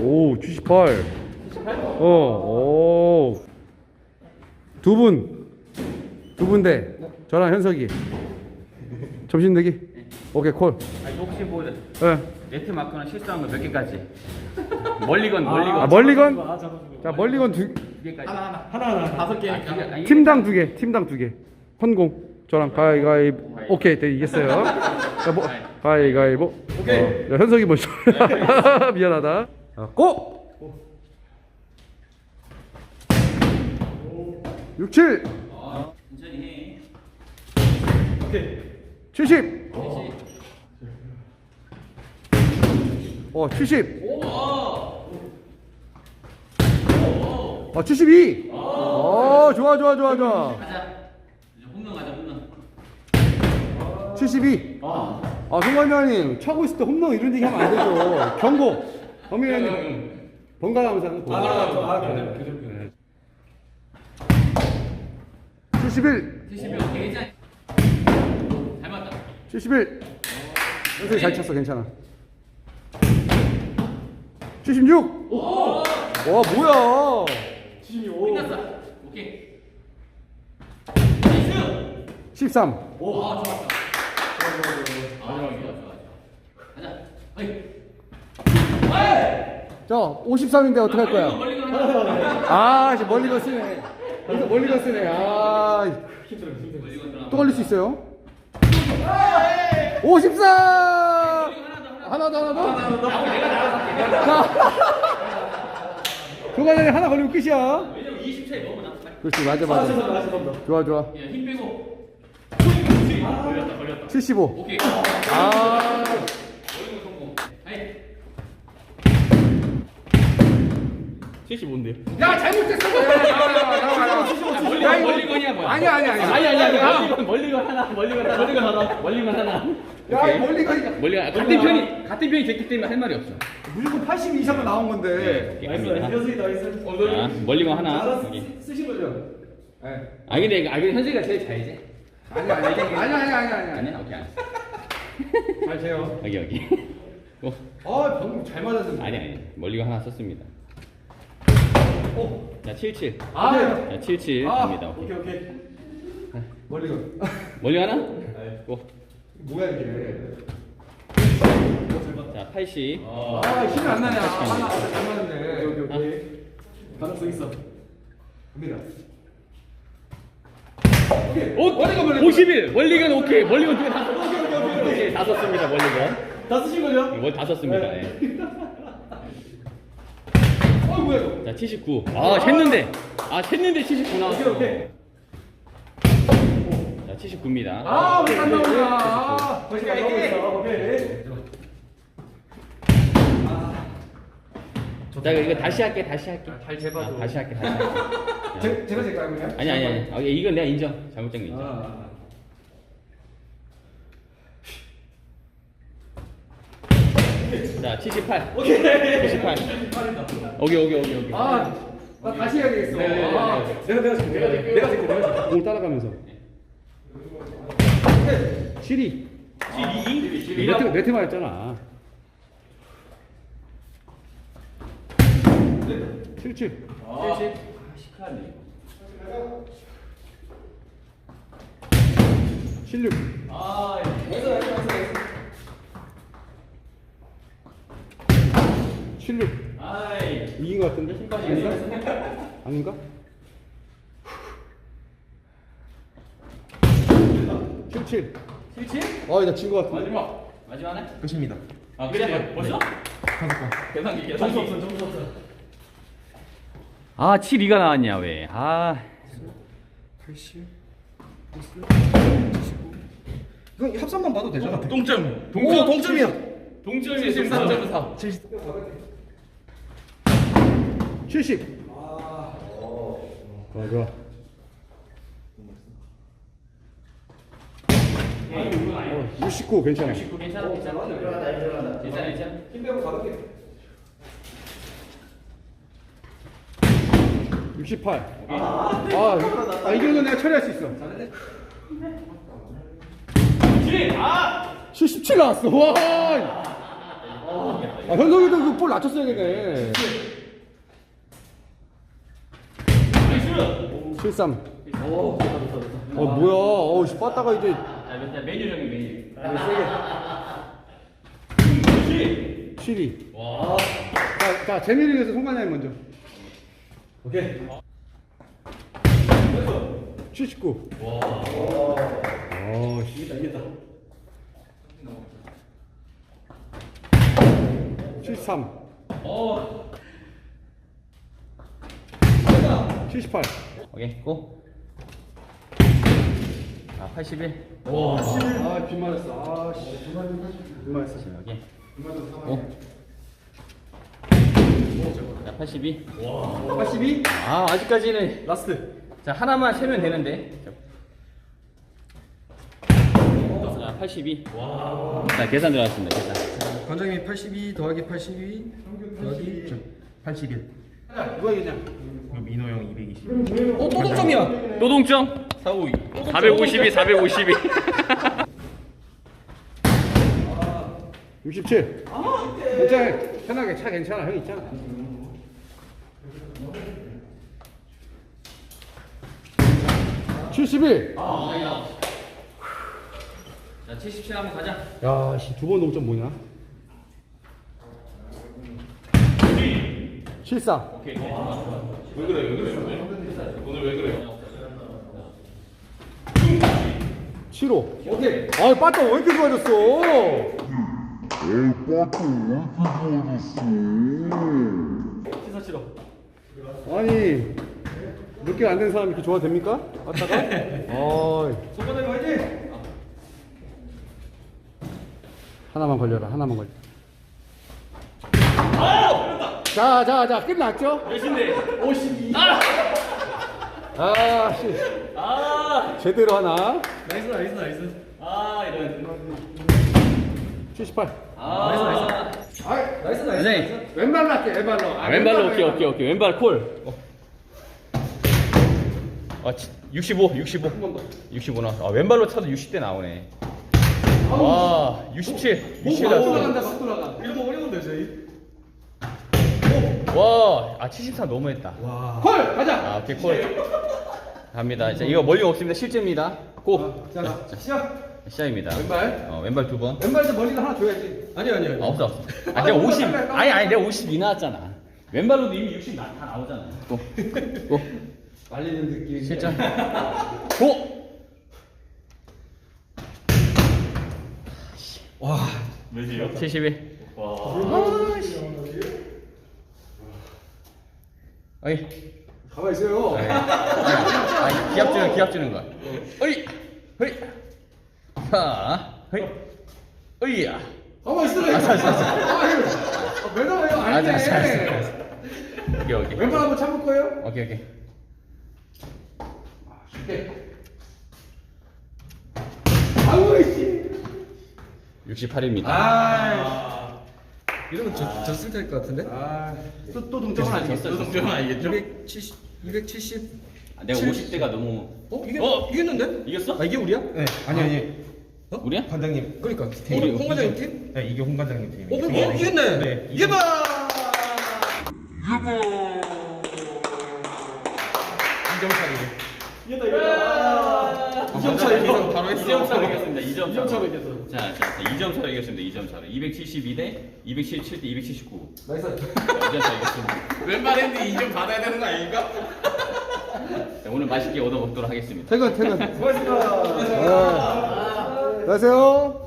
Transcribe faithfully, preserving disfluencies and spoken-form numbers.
오, 칠십팔. 어, 오. 두 분. 두 분 대. 저랑 현석이. 점심 내기? 오케이, 콜. 아니, 혹시 뭐 네. 네트 마크는 실수한 거 몇 개까지? 멀리건, 멀리건. 아, 멀리건? 자, 멀리건 두, 두 개까지. 하나 하나 하나 하나 다섯 개. 아, 두 개. 아니, 팀당 두 개, 팀당 두 개. 헌공. 저랑 가위가위보. 오케이, 네, 이겼어요. 자, 뭐, 가위가위보. 오케이. 어, 야, 현석이 먼저. 미안하다. 자, 고! 육, 칠. 어, 천천히 해. 오케이. 칠십. 어, 칠십. 어, 칠십이. 어, 좋아, 좋아, 좋아, 좋아. 가자. 이제 홈런 가자, 홈런. 칠십이. 아, 송관장님, 차고 있을 때 홈런 이런 얘기 하면 안 되죠. 경고. 범인님, 번갈아 가면서 하는 거. 아, 아, 아, 칠십일. 칠십일, 오케이, 괜찮아. 잘 맞다. 칠십일. 현석이 잘 쳤어, 괜찮아. 칠십육. 와, 뭐야. 칠십오. 끝났어. 오케이. 나이스. 십삼. 오, 아, 좋았어. 아, 좋아, 좋아, 좋아. 가자. 어이. 자, 오십삼인데 어떡할 거야? 멀리건, 멀리건 하나. 아, 이제 멀리건 쓰네. 여기서 멀리건 쓰네. 아, 힘들어 힘들어. 멀리건 들어가. 또 걸릴 수 있어요? 오십사! 하나 더, 하나 더? 내가 나가서 할게. 자, 교관장이 하나 걸리면 끝이야. 왜냐면 이십 차이 너무 나. 그렇지, 맞아, 맞아. 좋아, 좋아. 야, 힘 빼고. 걸렸다, 걸렸다. 칠십오. 오케이. 아, 멀리건 성공. 아이. 칠십오인데요. 야, 잘못했어. 나와, 나와, 나와, 나와, 나와. 멀리건, 야, 이거- 멀리건이야, 뭐야? 아니야, 아니야, 아니야. 아니 아니 아니. 야, 멀리건 멀리건 하나 멀리건 하나 멀리건 하나 멀리건 하나. 야, 이 멀리건이 멀리건 같은 편이 같은 편이 됐기 때문에 할 말이 없어. 무조건 팔십 이상은 나온 건데. 오케이, 나이스 갑니다. 나이스 나이스. 어, 자, 멀리건 하나. 하나 여기. 쓰- 쓰신 거죠? 네. 아 근데 이거- 아 근데 현석이가 제일 잘지? 아니야, 아니야, 아니야, 아니야, 아니야, 아니야. 아니야? 오케이 알았어. 잘 재요. 여기 여기. 어, 아, 방금 잘 맞았는데. 아니 아니 멀리건 하나 썼습니다. 어. 자 칠칠. 아, 자 칠칠 아, 갑니다. 오케이. 오케이 오케이. 멀리건. 멀리 하나? 네. 고. 뭐야 이게? 자 팔십. 아, 힘이 안 나냐? 팔십 하나 갑니다. 잘 맞는데. 오케이 오케이. 가능성 있어. 갑니다. 오, 멀리건. 오십일. 멀리건 오케이. 멀리건 두개 다. 오케이 다 썼습니다. 멀리건. 다 쓰신 거죠? 이거 다 썼습니다. 예. 어, 뭐야 이거? 자 칠십구. 아 챘는데. 아 챘는데 칠십구 나왔어. 오케이 오케이. 자 칠십구입니다. 아, 왜안 나오냐? 아, 벌써 나오고 있어. 오케이. 자 이거 이거 다시 할게. 다시 할게. 잘 재봐줘. 아, 다시 할게. 다시 할게. 제, 제가 제가 그냥? 아니 아니 아니. 아, 이건 내가 인정. 잘못된 거 인정. 아. 자 칠십팔. 오케이. 칠십팔. 오케이 오케이 오케이 오케이. 아, 나 다시 해야 되겠어. 네, 네, 네, 아, 네. 내가 내가 줄게. 내가 줄게. 내가 줄게. 내가 줄게. 공 따라가면서. 칠이. 칠이. 네트 네트 맞았잖아. 칠칠. 아, 시크하네. 칠육. 아, 나이스 나이스 나이스. 칠육. 아이. 이긴 것 같은데? 아닌가? 칠칠. 칠칠? 아, 나진 것 같은데. 마지막. 마지막 하나? 끝입니다. 아 그래? 벌써? 계산기 계산기. 점수 없어 점수 없어. 아 칠이가 나왔냐 왜? 아. 팔십. 이건 합산만 봐도 되잖아. 동점. 오, 동점이야. 동점이 칠십사 점 사. 칠십. 아, 좋아, 좋아. 어, 육십구 괜찮아. 괜찮아 괜찮아. 괜찮아 괜찮아. 힘 빼고 가볍게. 육십팔. 아, 아, 이 정도 내가 처리할 수 있어. 칠. 아. 칠십칠 나왔어. 와. 아, 현석이도 그 볼 낮췄어야겠네. 칠삼. 오, 좋다, 좋다, 좋다. 어, 뭐야. 어우, 씨, 빠따가 이제. 아, 몇 대? 메뉴 정해 메뉴. 칠이. 와. 자, 자, 재미를 위해서 송관장님 먼저. 오케이. 칠십구. 와. 어, 씨. 이겼다, 이겼다. 칠십삼. 어. 칠십팔. 오케이 고. 아 팔십일. 오, 아, 비 맞았어. 아, 씨. 비 맞았어. 오케이. 고. 자 팔십이. 팔십이? 아 아직까지는. 라스트. 자 하나만 세면 되는데. 자 팔십이. 자 계산 들어갔습니다. 계산. 관장님 팔십이 더하기 팔십이 더하기 팔십일. 누가 이겼냐? 민호 형 이백이십. 어, 또 동점이야. 또 동점. 사오이. 사백오십이 사백오십이. 육십칠. 괜찮아. 편하게 차 괜찮아. 형 있잖아. 칠십일. 자 칠십칠 한번 가자. 야, 씨, 두 번 동점 뭐냐? 칠십사. 오케이. 왜 그래 왜 그래 오늘 왜 그래요? 칠십오. 오케이. 아, 빠따 왜 이렇게 좋아졌어? 시사 치러. 아니, 몇 개 안 된 사람이 이렇게 좋아도 됩니까? 빠따가? 어이. 송관장님 화이팅! 하나만 걸려라, 하나만 걸려. 자, 자, 자, 끝났죠? 몇인데? 오십이. 아, 씨. 아. 제대로 하나. 나이스, 나이스, 나이스. 아 이런. 칠십팔. 아. 아, 나이스, 나이스. 네. 왼발로 할게, 왼발로. 아, 왼발로 오케이 오케이 오케이 왼발 콜. 어. 아 치- 육십오 육십오 육십오 나왔어. 아 왼발로 차도 육십 대 나오네. 와 육십칠 육십칠 막 나왔어. 돌아간다, 막 돌아가. 이러면 어려운데, 저희. 와아 칠십삼 너무했다. 콜! 가자! 아 오케이 콜. 갑니다. 자 이거 멀리 없습니다. 실제입니다. 고. 자, 자, 시작. 시작입니다. 왼발. 어 왼발 두 번. 왼발에서 멀리가 하나 줘야지. 아니, 아니, 아니. 아 없어 없어. 아 내가 오십. 아니 아니 내가 오십이 나왔잖아. 왼발로도 이미 육십 나, 다 나오잖아. 고. 고. 말리는 느낌. 실전. 고. 와. 몇이요? 칠십일. 와. 어이. 가만 있어요. 아, 기합 주는 기합 주는 거야. 어이. 허이. 자. 허이. 어이야. 가만 있어라. 알았어, 알았어, 알았어. 아, 왜 나와요? 안 알았어, 알았어, 알았어, 돼. 알았어. 오케이 오케이. 왼발 한번 참을 거예요? 오케이 오케이. 쉽게. 아우, 씨. 육십팔입니다. 아. 이러면 저, 졌을 될 것 같은데? 아, 또, 또 동점은 아니겠어. 졌어, 졌어. 좀 알겠죠? 이백칠십, 이백칠십. 아, 내가 오십 대가 너무. 어? 이게, 어? 이겼는데? 이겼어? 아, 이게 우리야? 네 아니 아니 우리야? 관장님. 그러니까. 우리- 홍 과장님 팀? 네 이게 홍 관장님 팀이. 어, 그럼 이- 이겼네. 네. 이겨봐! 이점 차이. 이겼다, 이겼다. 이 점 차이 이기서 바로 했어. 이 점 차로 이겼습니다. 이 점 이 점 차로 차로. 이겼어. 자, 자, 이 점 차로 이겼습니다. 이 점 차로. 이백칠십이 대 이백칠십칠 대 이백칠십구. 나이스. 이 점 차로 이겼습니다. 왼발 핸드 이 점 받아야 되는 거 아닙니까? 자, 오늘 맛있게 얻어 먹도록 하겠습니다. 퇴근, 퇴근. 수고하셨습니다. 아, 안녕하세요.